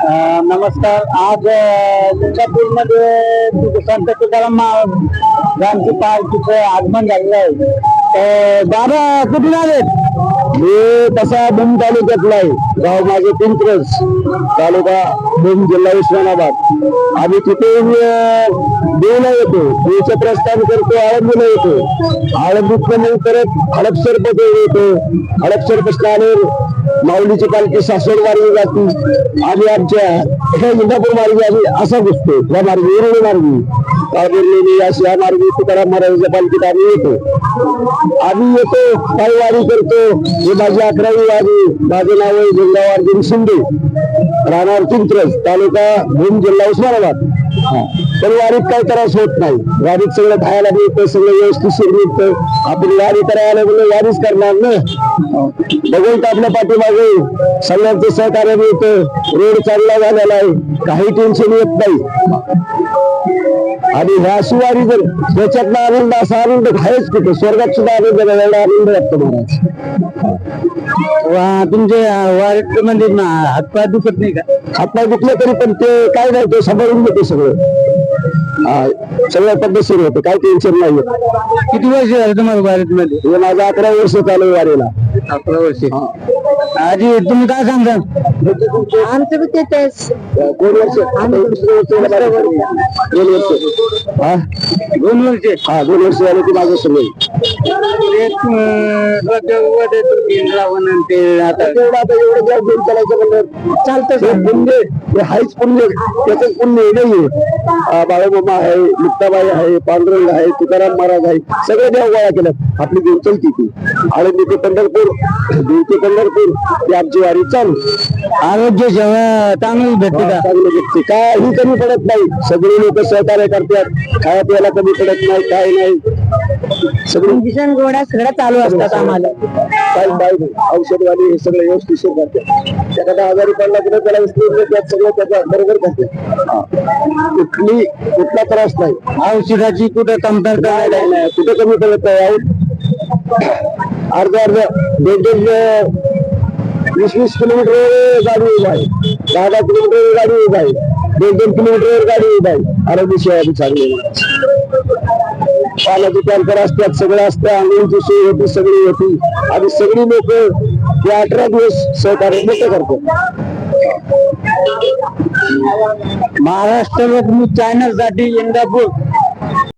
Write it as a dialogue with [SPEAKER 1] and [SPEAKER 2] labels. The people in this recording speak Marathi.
[SPEAKER 1] नमस्कार. आज इंदापूरमध्ये संत तुकाराम महाराजांची पालखीचं आगमन झालेलं आहे. दादा कुठून आलेत? मी तसा भूम तालुक्यातला आहे. गाव माझे पिंपरस, तालुका भूम, जिल्हा उस्मानाबाद. आम्ही तिथे देवला येतो, देवचं प्रस्थान करतो, आळंदीला येतो, आळंदीत परत हडपसर येतो. हडपसर पासून माऊलीची पालखी सासवड मार्गी जाते. आम्ही आमच्या इंदापूर मार्गी आम्ही असा घुसतो, या मार्गी उरुळी मार्गी अशी या मार्गी तुकाराम महाराजांच्या पालखीत आम्ही येतो. आम्ही येतो, पायी वारी करतो. हे माझी 11वी वारी. माझे नाव आहे जिल्हा अर्जुन शिंदे, राहणार पिंपरस, तालुका भूम, जिल्हा उस्मानाबाद. पण वारीत काही त्रास होत नाही. वारीत सगळं खायला मिळतं, सगळं व्यवस्थित मिळतं. आपण वारी करायला म्हणजे वारीच करणार ना. बघून आपल्या पाठीमागे सगळ्यांचं सहकार्य मिळतं. रोड चांगला झालेला आहे, काही टेन्शन येत नाही. आणि ह्या सुवारी जर त्याच्यातला आनंद, असा आनंद आहेच कुठे. स्वर्गात सुद्धा आनंद एवढा आनंद वाटतो महाराज. तुमच्या वारीत म्हणजे हातपाय दुखत नाही का? हातपाय दुखले तरी पण ते काय नाही, ते सांभाळून घेते सगळं. सगळं पद्धतशीर होतं, काही टेन्शन नाही. किती वर्ष झालं तुम्हाला वारीत मध्ये? हे माझं 11 वर्ष चालू वारीला. 11 वर्ष. आजी तुम्ही काय सांगता?
[SPEAKER 2] आमचं बी तेच
[SPEAKER 1] 2 वर्ष. 2 वर्ष. हा 2 वर्ष झाले की माझं सगळं. आता एवढं गॅस घेऊन चालायचं म्हणलं चालतं. पुण्य हे हायच पुण्य, त्याच पुण्य नाहीये. बाळूमामा आहे, मुक्ताबाई आहे, पांडुरंग आहे, तुकाराम महाराज आहे, सगळे देव गोळा केलं. आपली देव चलती ती आळंदी ते पंढरपूर, देव ते पंढरपूर, ती आमची वारी चालू. आरोग्य जेव्हा चांगलं भेटते का? चांगलं भेटते, काही कमी पडत नाही. सगळे लोक सहकार्य करतात, खाया प्यायला कमी पडत नाही, काय नाही.
[SPEAKER 2] सगळं गोळ्या सगळं चालू असतात आम्हाला.
[SPEAKER 1] औषधवाली हे सगळं व्यवस्थित करतात. एखादा आजारी पडला की त्याला विस्तार सगळं त्याच्या बरोबर करतात. कुठला त्रास नाही. औषधाची कुठं कमतरता नाही, कुठं कमी पडत नाही. अर्ध 20 किलोमीटर गाडी उभा आहे, 10 किलोमीटर गाडी उभा आहे, 2 किलोमीटर गाडी उभा आहे. आरोग्य सेवा चांगली. पाण्याचे टँकर असतात, सगळं असतं, आंघोळीची सोय होती, सगळी होती. आणि सगळी लोक हे 18 दिवस सहकार्य मोठं करतात. महाराष्ट्र चॅनल साठी इंदापूर.